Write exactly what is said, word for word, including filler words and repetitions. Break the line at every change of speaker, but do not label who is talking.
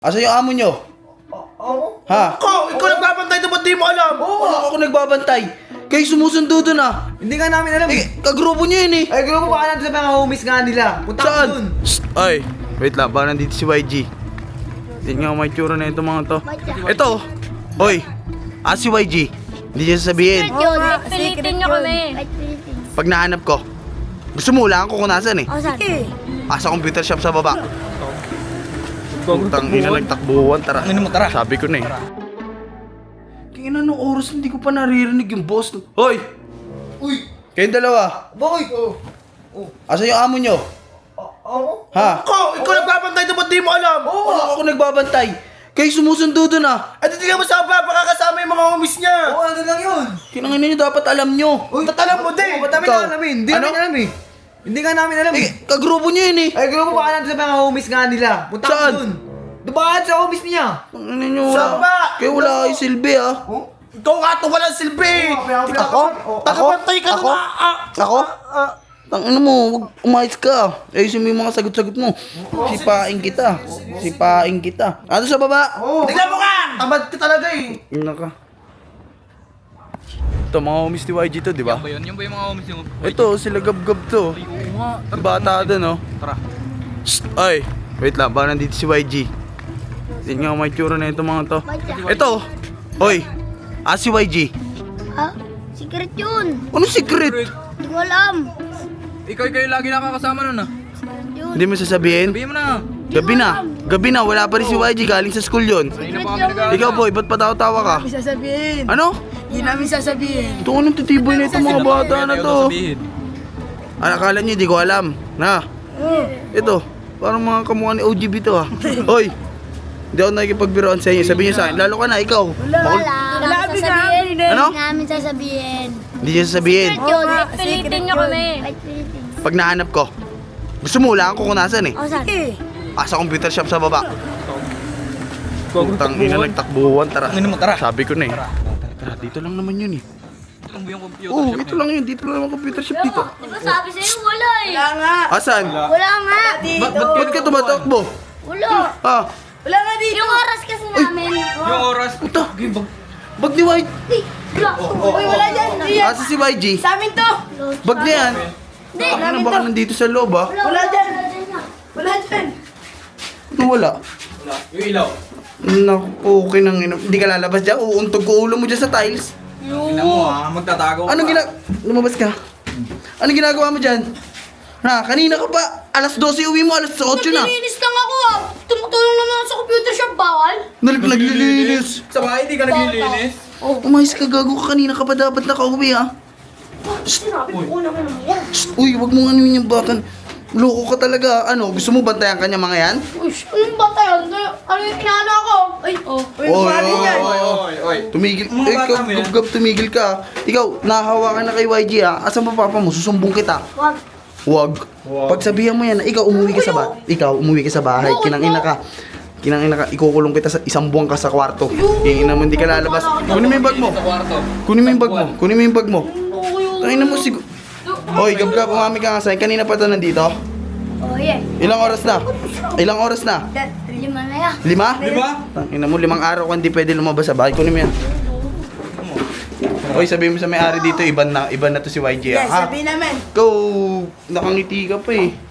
Asa yung amo nyo?
Oo?
Ha?
Ikaw! Ikaw nagbabantay ito, ba't di mo alam?
Oo, ako nagbabantay. Kayo sumusundo dun ah.
Hindi nga namin alam eh.
Eh, kagrupo nyo yun eh.
Ay, grupo baka nandun sa mga homies nga nila. Punta
Saan?
ko dun.
Shh, ay, wait lang, baka nandito si Y G. Tingnan nga may tsura na ito mga to. Ito, oy, ah si Y G. Hindi niya sasabihin.
Yun, pilitin nyo kami.
Pag nahanap ko, gusto mo lang kung nasan eh.
O, saan?
Ah, sa computer shop sa baba. Putang ina, nagtakbuhan, tara.
Ano mo, tara.
Sabi ko na eh. Kaya nung oras hindi ko pa naririnig yung boss. Hoy!
Uy!
Kayong dalawa,
Bakit? Oh.
asa yung amo nyo?
Oo?
Ha?
Ikaw! Ikaw nagbabantay ito, ba't di mo alam?
Oo, ako nagbabantay. Kayo sumusundo dun ah.
At hindi ka mo sa pakakasama yung mga homies niya.
Oo, ano lang yun.
Kinangin nyo dapat alam nyo.
Uy, ba't alam mo din?
Ba't namin
Ikaw?
alamin? Hindi
Ano?
namin alam eh. Hindi nga namin alam eh.
Eh, kagrupo nyo yun eh.
Ay, grupo baka nandun sa mga homies nga nila. Punta ko
Saan?
dun. Doon baka sa homies niya.
Ano nyo
Saan
wala?
ba?
Kayo wala kayo silbi ah.
Oh? Ikaw nga ito, walang silbi!
Ako?
Tagabantay ka
Ako?
na nga! Ah,
Ako? Tangina mo, wag umayos ka. Ayusin mo yung mga sagot-sagot mo. Sipain kita. Sipain kita. Ano sa baba?
Oh. Tignan mo ka! Tamad ka talaga eh!
Ina ka. Ito, mga homies ni Y G to, di ba?
Yan ba yun? Yan ba yung mga homies yung...
Ito, sila gab-gab to.
Oo nga.
Yung bata doon, no?
Tara.
Shh, ay, wait lang, baka nandito si Y G. Tingnan nga may tsura na ito mga to. Ito, oy, ah si Y G.
Ha? Secret yun.
Ano secret?
Hindi ko alam.
Ikaw kayo lagi nakakasama nun ah.
Yun.
Hindi mo sasabihin?
Sabihin mo na.
Gabi na, gabi na, wala pa rin si Y G, galing sa school yun.
Kanina pa kami nag
Ikaw boy, ba't patawa-tawa ka?
Hindi sasabihin.
Ano?
Hindi namin sasabihin.
Ito anong titiboy na itong mga bata na to?
Sabihin.
Ano, akala nyo, di ko alam. Na, ito, parang mga kamukha ni O G B to ha. Hoy, hindi ako nakikipagbiroan sa inyo, sabihin nyo sa akin, lalo ka na, ikaw. Bakul-
Wala. Wala kami sasabihin.
Ano?
Hindi namin sasabihin.
Hindi niya sasabihin.
Secret yun, pilitin nyo kami.
Pag nahanap ko, gusto mo lang kung nasan eh.
O, saan?
Ah, sa computer shop sa baba. Putang ina, nagtakbuhan, tara.
Ano mo, tara.
Sabi ko na eh. Tara, dito lang naman yun eh.
Ito lang ba yung computer
Oo,
shop
ito lang yun, dito lang naman computer shop dito.
Di ba sabi sa'yo, wala eh.
Wala nga.
Asan?
Wala nga.
Ba't ba't ba't ka tumatakbo?
Wala.
Ah,
Wala nga dito.
Yung oras kasi namin.
Yung oras.
puta. Bag ni Y G.
Hey, wala.
Uy, wala dyan. Hindi yan.
Asa si Y G?
Sa amin to.
Bag niya yan.
Hindi.
Ano baka nandito sa loob ah?
Wala dyan. Wala dyan.
Ano wala?
Yung ilaw.
Naku, okay nang ina. Hindi ka lalabas dyan. Uuntog ko ulo mo dyan sa tiles.
Tingnan mo ah, magtatago ka.
Anong gina... Lumabas ka? Anong ginagawa mo dyan? Ha, kanina ka pa. Alas dose uwi mo, alas otso na.
Naglilinis lang ako ah. Tumutulong naman ako sa computer shop, bawal.
Nag naglilinis.
Sa bahay, di ka naglilinis.
Oh, umayos ka, gago ka. Kanina ka pa dapat nakauwi ha.
Sinabi ko na naman yan.
Shh, uy, wag mong ano yung bakan. Loko ka talaga. Ano, gusto mo bantayan kanya mga yan?
Uy, anong bata yun? Ano yung inaano ako? Ay, oh.
Uy, bali dyan.
Oy, oy, oy.
Tumigil.
Mga
Eh,
bata
ikaw,
mo yan.
gab, tumigil ka. Ikaw, nahahawakan na kay Y G ha. Asan pa papa mo? Susumbong kita.
Wag.
Wag. Pagsabihan mo yan na ikaw umuwi ka sa bahay. Ikaw umuwi ka sa bahay. Kinangina ka. Kinangina ka. Ikukulong kita sa isang buwan ka sa kwarto. Kingina mo, hindi ka lalabas. Kunin mo yung bag mo.
Sa kwarto.
Kunin mo yung bag mo. Kunin mo yung bag mo.
Okay,
Kangina mo siguro. Hoy, gab-gab, umami ka nga sa'yo. Kanina pa ito nandito.
Oh, yeah.
Ilang oras na? Ilang oras na?
Lima na yan.
Lima?
Di ba?
Tangina mo, limang araw ka hindi pwede lumabas sa bahay. Kunin mo yan. Hoy, sabihin mo sa may-ari dito, iban na, iban na to si Y G
Yes,
ha.
sabihin namin.
Ikaw, nakangiti ka pa eh.